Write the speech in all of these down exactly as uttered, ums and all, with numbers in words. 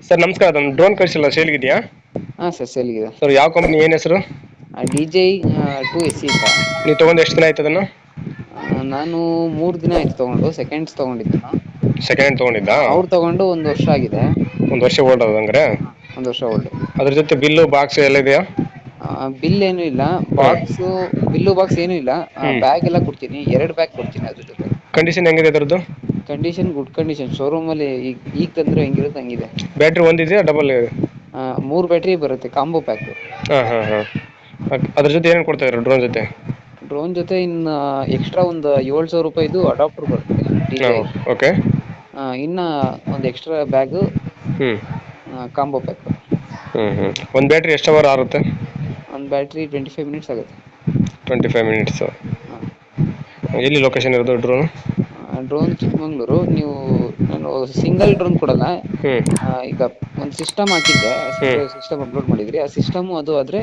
Sir ನಮಸ್ಕಾರ, ಅದೊಂದು drone ಕಳಿಸಿಲ್ಲ ಸೇಲ್ಗಿದೆಯಾ? ಹಾಂ ಸರ್ ಸೇಲ್ಗಿದೆ. ಸರ್ ಯಾವ ಕಂಪ್ನಿ, ಏನು ಹೆಸರು? D J two S C ಅಂತ. ನೀವು ತೊಗೊಂಡು ಎಷ್ಟು ದಿನ ಆಯ್ತು ಅದನ್ನು? ನಾನು ಮೂರು ದಿನ ಆಯ್ತು ತೊಗೊಂಡು, ಸೆಕೆಂಡ್ಸ್ ತೊಗೊಂಡಿದ್ದು ನಾನು. ಸೆಕೆಂಡ್ ಹ್ಯಾಂಡ್ ತೊಗೊಂಡಿದ್ದಾ? ಅವ್ರು ತಗೊಂಡು ಒಂದು ವರ್ಷ ಆಗಿದೆ. ಒಂದು ವರ್ಷ ಓಲ್ಡ್ ಅದು ಹಂಗಾರೆ? ಒಂದು ವರ್ಷ ಓಲ್ಡ್. ಅದ್ರ ಜೊತೆ ಬಿಲ್ಲು ಬಾಕ್ಸ್ ಎಲ್ಲ ಇದೆಯಾ? ಬಿಲ್ ಏನು ಇಲ್ಲ, ಹಾಂ. ಬಾಕ್ಸು ಬಿಲ್ಲು ಬಾಕ್ಸ್ ಏನು ಇಲ್ಲ. ಹ್ಞೂ. ಬ್ಯಾಗ್ ಎಲ್ಲ ಕೊಡ್ತೀನಿ, ಎರಡು ಬ್ಯಾಗ್ ಕೊಡ್ತೀನಿ ಅದ್ರ ಜೊತೆ. ಕಂಡೀಷನ್ ಹೆಂಗಿದೆ ಅದರದ್ದು? ಕಂಡೀಷನ್ ಗುಡ್ ಕಂಡೀಷನ್, ಶೋರೂಮ್ ಅಲ್ಲಿ ಈಗ ಈಗ ತಂದ್ರೆ ಹೆಂಗಿರುತ್ತೆ ಹಂಗಿದೆ. ಬ್ಯಾಟ್ರಿ ಒಂದಿದೆಯಾ ಡಬಲ್? ಮೂರು ಬ್ಯಾಟ್ರಿ ಬರುತ್ತೆ, ಕಾಂಬೋ ಪ್ಯಾಕ್. ಹಾಂ ಹಾಂ ಹಾಂ. ಅದ್ರ ಜೊತೆ ಏನೇನು ಕೊಡ್ತಾ ಇದ್ರು ಡ್ರೋನ್ ಜೊತೆ? ಡ್ರೋನ್ ಜೊತೆ ಇನ್ನು ಎಕ್ಸ್ಟ್ರಾ ಒಂದು ಏಳು ಸಾವಿರ ರೂಪಾಯಿದು ಅಡಾಪ್ಟರ್ ಬರುತ್ತೆ ಡಿ ಜೆ. ಹಾಂ ಓಕೆ. ಇನ್ನು ಒಂದು ಎಕ್ಸ್ಟ್ರಾ ಬ್ಯಾಗು, ಹ್ಞೂ ಕಾಂಬೋ ಪ್ಯಾಕ್. ಹ್ಞೂ ಹ್ಞೂ ಒಂದು ಬ್ಯಾಟ್ರಿ ಎಷ್ಟು ಅವರ್ ಆರುತ್ತೆ? ಒಂದು ಬ್ಯಾಟ್ರಿ ಟ್ವೆಂಟಿ ಫೈವ್ ಮಿನಿಟ್ಸ್ ಆಗುತ್ತೆ. Twenty five minutes. ಹಾಂ. ಎಲ್ಲಿ ಲೊಕೇಶನ್ ಇರೋದು ಡ್ರೋನು? ಡ್ರೋನ್ ಚಿಕ್ಕಮಂಗ್ಳೂರು. ನೀವು ನಾನು ಸಿಂಗಲ್ ಡ್ರೋನ್ ಕೊಡಲ್ಲ. ಹ್ಞೂ ಈಗ ಒಂದು ಸಿಸ್ಟಮ್ ಹಾಕಿದ್ದೆ, ಹ್ಞೂ ಸಿಸ್ಟಮ್ ಅಪ್ಲೋಡ್ ಮಾಡಿದ್ರಿ. ಆ ಸಿಸ್ಟಮು ಅದು ಆದರೆ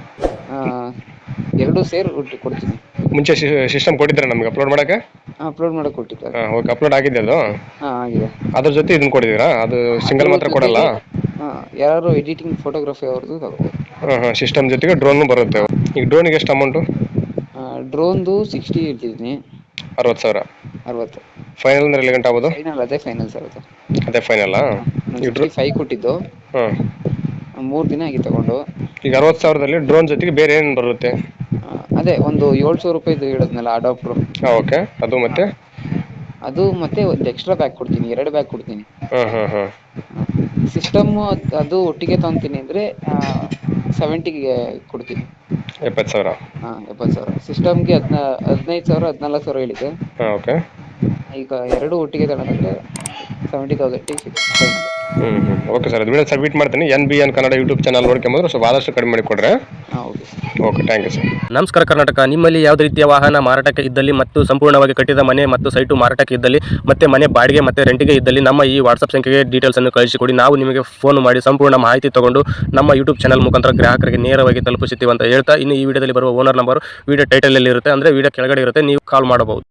ಎರಡೂ ಸೇರಿ ಒಟ್ಟು ಕೊಡ್ತೀನಿ. ಮುಂಚೆ ಸಿಸ್ಟಮ್ ಕೊಟ್ಟಿದ್ದಾರೆ ನಮಗೆ ಅಪ್ಲೋಡ್ ಮಾಡೋಕ್ಕೆ? ಅಪ್ಲೋಡ್ ಮಾಡಕ್ಕೆ ಕೊಟ್ಟಿದ್ದಾರೆ. ಹಾಂ ಓಕೆ, ಅಪ್ಲೋಡ್ ಆಗಿದೆ ಅದು? ಹಾಂ ಆಗಿದೆ. ಅದ್ರ ಜೊತೆ ಇದನ್ನು ಕೊಟ್ಟಿದ್ದೀರಾ? ಅದು ಸಿಂಗಲ್ ಮಾತ್ರ ಕೊಡಲ್ಲ? ಹಾಂ, ಯಾರು ಎಡಿಟಿಂಗ್ ಫೋಟೋಗ್ರಫಿ ಅವ್ರದ್ದು ತಗೋಬೋದು. ಹಾಂ ಹಾಂ, ಸಿಸ್ಟಮ್ ಜೊತೆಗೆ ಡ್ರೋನು ಬರುತ್ತೆ. ಈಗ ಡ್ರೋನಿಗೆ ಎಷ್ಟು ಅಮೌಂಟು? ಡ್ರೋನ್ದು ಸಿಕ್ಸ್ಟಿ ಹೇಳ್ತಿದ್ದೀನಿ. ಅರವತ್ತು ಸಾವಿರ? ಅರವತ್ತು. ಫೈನಲ್ ಅಂದ್ರೆ ಎಲ್ಲಿ ಗಂಟೆ ಆಗ್ಬೋದು? ಫೈನಲ್ ಅದೇ ಫೈನಲ್ ಸರ್ ಅದು. ಅದೇ ಫೈನಲ್ಲಾ? ನಾನು ಈಗ ಡ್ರೋ ಸಿಕ್ಸ್ಟಿ ಫೈವ್ ಕೊಟ್ಟಿದ್ದು. ಹಾಂ. ಮೂರು ದಿನ ಆಗಿ ತಗೊಂಡು. ಈಗ ಅರವತ್ತು ಸಾವಿರದಲ್ಲಿ ಡ್ರೋನ್ ಜೊತೆಗೆ ಬೇರೆ ಏನು ಬರುತ್ತೆ? ಅದೇ ಒಂದು ಏಳು ಸಾವಿರ ರೂಪಾಯಿದು ಹೇಳಿದ್ನಲ್ಲ ಅಡಾಪ್ಟ್ರು. ಹಾಂ ಓಕೆ, ಅದು ಮತ್ತೆ? ಅದು ಮತ್ತೆ ಒಂದು ಎಕ್ಸ್ಟ್ರಾ ಬ್ಯಾಗ್ ಕೊಡ್ತೀನಿ, ಎರಡು ಬ್ಯಾಗ್ ಕೊಡ್ತೀನಿ. ಹಾಂ ಹಾಂ ಹಾಂ. ಸಿಸ್ಟಮ್ಮು ಅದು ಒಟ್ಟಿಗೆ ತಗೊತೀನಿ ಅಂದರೆ ಸೆವೆಂಟಿಗೆ ಕೊಡ್ತೀನಿ. ಎಪ್ಪತ್ತು ಸಾವಿರ? ಹಾಂ ಎಪ್ಪತ್ತು ಸಾವಿರ. ಸಿಸ್ಟಮ್ಗೆ ಹದಿನ ಹದಿನೈದು ಸಾವಿರ ಹದಿನಾಲ್ಕು ಸಾವಿರ ಹೇಳಿದ್ದೆ. ಹಾಂ ಓಕೆ. ಈಗ ಎರಡು ಒಟ್ಟಿಗೆ ತಗೊಳಂದ್ರೆ ಸೆವೆಂಟಿ ತೌಸಂಡಿಗೆ ಸಿಗುತ್ತೆ. ಹ್ಞೂ ಹ್ಞೂ ಓಕೆ ಸರ್, ಅದು ವಿಡಿಯೋ ಸಬ್ಮಿಟ್ ಮಾಡ್ತೀನಿ. N B N Kannada YouTube channel ನೋಡ್ಕೊಂಬಂದ್ರೆ ಸ್ವಲ್ಪ ಆದಷ್ಟು ಕಡಿಮೆ ಮಾಡಿ ಕೊಡ್ರೆ. ಹಾಂ okay sir. Okay, thank you sir. ನಮಸ್ಕಾರ ಕರ್ನಾಟಕ. ನಿಮ್ಮಲ್ಲಿ ಯಾವುದೇ ರೀತಿಯ ವಾಹನ ಮಾರಾಟಕ್ಕೆ ಇದ್ದಲ್ಲಿ ಮತ್ತು ಸಂಪೂರ್ಣವಾಗಿ ಕಟ್ಟಿದ ಮನೆ ಮತ್ತು ಸೈಟು ಮಾರಾಟಕ್ಕೆ ಇದ್ದಲ್ಲಿ ಮತ್ತೆ ಮನೆ ಬಾಡಿಗೆ ಮತ್ತು ರೆಂಟಿಗೆ ಇದ್ದಲ್ಲಿ ನಮ್ಮ ಈ ವಾಟ್ಸಪ್ ಸಂಖ್ಯೆಗೆ ಡೀಟೇಲ್ಸನ್ನು ಕಳಿಸಿಕೊಡಿ. ನಾವು ನಿಮಗೆ ಫೋನ್ ಮಾಡಿ ಸಂಪೂರ್ಣ ಮಾಹಿತಿ ತಗೊಂಡು ನಮ್ಮ ಯೂಟ್ಯೂಬ್ ಚಾನಲ್ ಮುಖಾಂತರ ಗ್ರಾಹಕರಿಗೆ ನೇರವಾಗಿ ತಲುಪಿಸುತ್ತೀವಿ ಅಂತ ಹೇಳ್ತಾ, ಇನ್ನು ಈ ವಿಡಿಯೋದಲ್ಲಿ ಬರುವ ಓನರ್ ನಂಬರ್ ವಿಡಿಯೋ ಟೈಟಲಲ್ಲಿ ಇರುತ್ತೆ, ಅಂದರೆ ವಿಡಿಯೋ ಕೆಳಗಡೆ ಇರುತ್ತೆ, ನೀವು ಕಾಲ್ ಮಾಡಬಹುದು.